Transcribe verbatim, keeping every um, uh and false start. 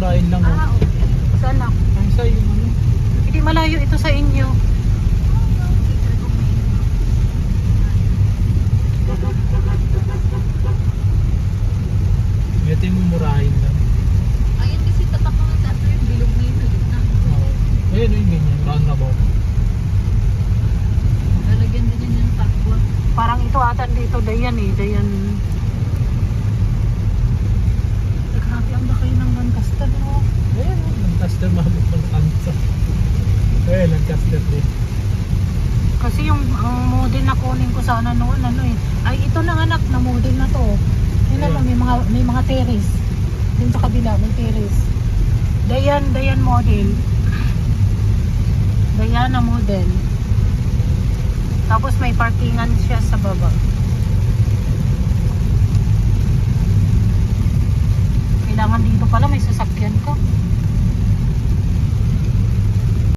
mumurahin lang. Ah, Oh. okay. Saan ako? Ang sa yung ano. Hindi malayo ito sa inyo. Ito yung mumurahin lang. Ayun kasi tatak ko ng tato yung bilog na yun. Ulit na. Oo. Ayun yung ganyan. Roundabout. Lalagyan din yun yung takwa. Parang ito ata dito, Dayan eh. Dayan. Eh, grabe ang laki ng Lancaster, no? Ayun oh. Lancaster mabot ng kansa. Ayun, Lancaster din. Kasi yung ang model na kunin ko sana noon, ano eh. Ay, ito na anak na model na to. Yun Yeah. naman, may mga, may mga terrace. Dun sa kabila, may terrace. Dayan, Dayan model. Diana model. Tapos may parkingan siya sa baba. Kailangan dito pala may sasakyan ka.